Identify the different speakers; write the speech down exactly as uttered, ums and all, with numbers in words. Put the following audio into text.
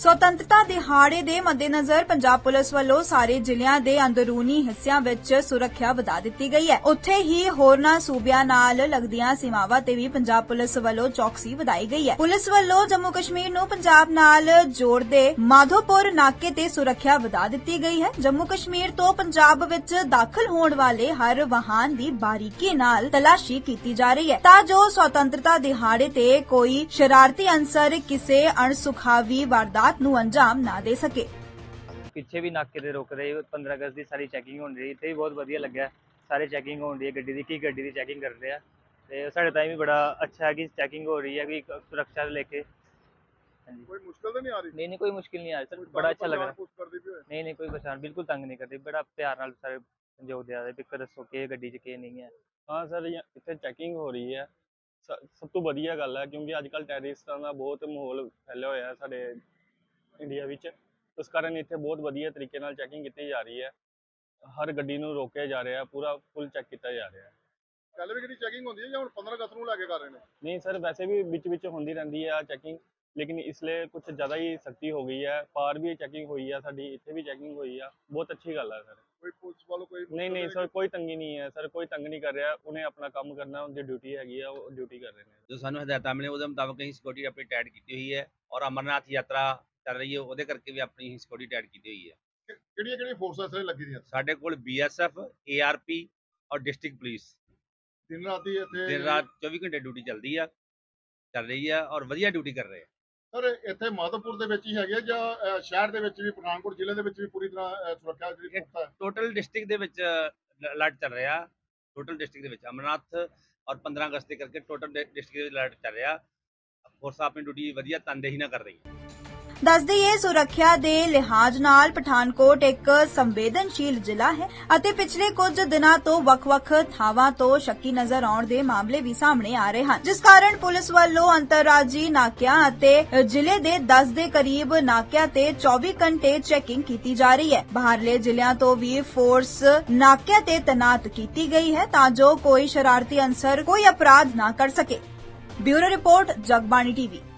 Speaker 1: ਸੁਤੰਤਰਤਾ ਦਿਹਾੜੇ ਦੇ ਮੱਦੇਨਜ਼ਰ ਪੰਜਾਬ ਪੁਲਿਸ ਵੱਲੋਂ ਸਾਰੇ ਜ਼ਿਲ੍ਹਿਆਂ ਦੇ ਅੰਦਰੂਨੀ ਹਿੱਸਿਆਂ ਵਿੱਚ ਸੁਰੱਖਿਆ ਵਧਾ ਦਿੱਤੀ ਗਈ ਹੈ। ਉੱਥੇ ਹੀ ਹੋਰਨਾਂ ਸੂਬਿਆਂ ਨਾਲ ਲੱਗਦੀਆਂ ਸੀਮਾਵਾਂ ਤੇ ਵੀ ਪੰਜਾਬ ਪੁਲਿਸ ਵੱਲੋਂ ਚੌਕਸੀ ਵਧਾਈ ਗਈ ਹੈ। ਪੁਲਿਸ ਵੱਲੋਂ ਜੰਮੂ ਕਸ਼ਮੀਰ ਨੂੰ ਪੰਜਾਬ ਨਾਲ ਜੋੜਦੇ ਮਾਧੋਪੁਰ ਨਾਕੇ ਤੇ ਸੁਰੱਖਿਆ ਵਧਾ ਦਿੱਤੀ ਗਈ ਹੈ। ਜੰਮੂ ਕਸ਼ਮੀਰ ਤੋਂ ਪੰਜਾਬ ਵਿੱਚ ਦਾਖਲ ਹੋਣ ਵਾਲੇ ਹਰ ਵਾਹਨ ਦੀ ਬਾਰੀਕੀ ਨਾਲ ਤਲਾਸ਼ੀ ਕੀਤੀ ਜਾ ਰਹੀ ਹੈ ਤਾਂ ਜੋ ਸੁਤੰਤਰਤਾ ਦਿਹਾੜੇ ਤੇ ਕੋਈ ਸ਼ਰਾਰਤੀ ਅੰਸਰ ਕਿਸੇ ਅਣਸੁਖਾਵੀ ਵਾਰਦਾਤ ਨੂੰ ਅੰਜਾਮ ਨਾ ਦੇ ਸਕੇ।
Speaker 2: ਪਿੱਛੇ ਵੀ ਨਾਕੇ ਤੇ ਰੁਕ ਰਹੇ ਪੰਦਰਾਂ ਅਗਸਤ ਦੀ ਸਾਰੀ ਚੈਕਿੰਗ ਹੋਣ ਰਹੀ ਤੇ ਬਹੁਤ ਵਧੀਆ ਲੱਗਿਆ। ਸਾਰੇ ਚੈਕਿੰਗ ਹੋਣ ਰਹੀ ਹੈ, ਗੱਡੀ ਦੀ ਕੀ ਗੱਡੀ ਦੀ ਚੈਕਿੰਗ ਕਰ ਰਹੇ ਆ ਤੇ ਸਾਡੇ ਤਾਂ ਵੀ ਬੜਾ ਅੱਛਾ ਹੈ ਕਿ ਚੈਕਿੰਗ ਹੋ ਰਹੀ है कि सुरक्षा लेके।
Speaker 3: कोई मुश्किल तो नहीं आ रही?
Speaker 2: नहीं नहीं कोई मुश्किल नहीं आ रही सर, बड़ा अच्छा लग रहा है। नहीं नहीं कोई परेशान बिल्कुल तंग नहीं करते, बड़ा प्यार नाल सारे संजोग दिया है भी दसो कि गड्डी च के नहीं है।
Speaker 4: हाँ सर इत्थे चैकिंग हो रही है, सब तो वधिया गल है क्योंकि अजकल टैरिस्टां दा बहुत माहौल फैलिया होया है साडे इंडिया विच। उस कारण इत्थे बहुत वधिया तरीके नाल चैकिंग की जा रही है, हर गड्डी नूं रोकिया जा रहा है, पूरा फुल चैक किया जा रहा है।
Speaker 3: पहले भी चैकिंग होती है या पंद्रह अगस्त को लैके कर रहे हैं?
Speaker 4: नहीं सर वैसे भी बिच बिच होंदी रहंदी है चैकिंग, लेकिन इसलिए कुछ ज़्यादा ही सख्ती हो गई है। पार भी चैकिंग हुई है, साडी इत्थे भी चैकिंग हुई है, बहुत अच्छी गल है सर।
Speaker 3: कोई पुलिस वालों कोई
Speaker 4: नहीं नहीं सर कोई तंगी नहीं है सर, कोई तंग नहीं कर रहा, उन्हें अपना काम करना, उनकी ड्यूटी हैगी है, वो ड्यूटी कर रहे हैं।
Speaker 5: जो सानू हदायतां मिले उहदे मुताबिक असीं सिक्योरिटी अपनी टाइट की हुई है और अमरनाथ यात्रा चल रही है उहदे करके भी अपनी सिक्योरिटी टाइट की हुई है।
Speaker 3: ਕਿਹੜੀਆਂ ਕਿਹੜੀਆਂ ਫੋਰਸਾਂ ਸਾਰੇ ਲੱਗੀ ਦੀਆਂ?
Speaker 5: साडे कोल B S F A R P और डिस्ट्रिक्ट पुलिस
Speaker 3: ਦਿਨ ਰਾਤ ਹੀ ਇੱਥੇ
Speaker 5: दिन रात चौबीस घंटे ड्यूटी चलती है चल रही है और वधिया ड्यूटी कर रहे हैं।
Speaker 3: ਸਰ ਇੱਥੇ ਮਾਧੋਪੁਰ ਦੇ ਵਿੱਚ ਹੀ ਹੈਗੇ ਆ ਜਾਂ ਅ, ਸ਼ਹਿਰ ਦੇ ਵਿੱਚ ਵੀ ਪਠਾਨਕੋਟ ਜ਼ਿਲ੍ਹੇ ਦੇ ਵਿੱਚ ਵੀ ਪੂਰੀ ਤਰ੍ਹਾਂ ਅ, ਸੁਰੱਖਿਆ ਜਿਹੜੀ ਪੁਖਤਾ ਹੈ?
Speaker 5: टोटल डिस्ट्रिक्ट दे विच अलर्ट चल रहा, टोटल डिस्ट्रिक्ट दे विच अमरनाथ और पंद्रह अगस्त के करके टोटल डिस्ट्रिक्ट दे अलर्ट चल रहा। फोर्स अपनी ड्यूटी वधिया तनदेही ना कर रही है।
Speaker 1: ਦੱਸ ਦਈਏ ਸੁਰੱਖਿਆ ਦੇ ਲਿਹਾਜ਼ ਨਾਲ ਪਠਾਨਕੋਟ ਇੱਕ ਸੰਵੇਦਨਸ਼ੀਲ ਜ਼ਿਲ੍ਹਾ ਹੈ ਅਤੇ ਪਿਛਲੇ ਕੁਝ ਦਿਨਾਂ ਤੋਂ ਵੱਖ-ਵੱਖ ਥਾਵਾਂ ਤੋਂ ਸ਼ੱਕੀ ਨਜ਼ਰ ਆਉਣ ਦੇ ਮਾਮਲੇ ਵੀ ਸਾਹਮਣੇ ਆ ਰਹੇ ਹਨ, ਜਿਸ ਕਾਰਨ ਪੁਲਿਸ ਵੱਲੋਂ ਅੰਤਰਰਾਜੀ ਨਾਕਿਆਂ ਅਤੇ ਜ਼ਿਲ੍ਹੇ ਦੇ ਦਸ ਦੇ ਕਰੀਬ ਨਾਕਿਆਂ ਤੇ ਚੌਵੀ ਘੰਟੇ ਚੈਕਿੰਗ ਕੀਤੀ ਜਾ ਰਹੀ ਹੈ। ਬਾਹਰਲੇ ਜ਼ਿਲ੍ਹਿਆਂ ਤੋਂ ਵੀ ਫੋਰਸ ਨਾਕਿਆਂ ਤੇ ਤੈਨਾਤ ਕੀਤੀ ਗਈ ਹੈ ਤਾਂ ਜੋ ਕੋਈ ਸ਼ਰਾਰਤੀ ਅੰਸਰ ਕੋਈ ਅਪਰਾਧ ਨਾ ਕਰ ਸਕੇ। Bureau report Jagbani TV.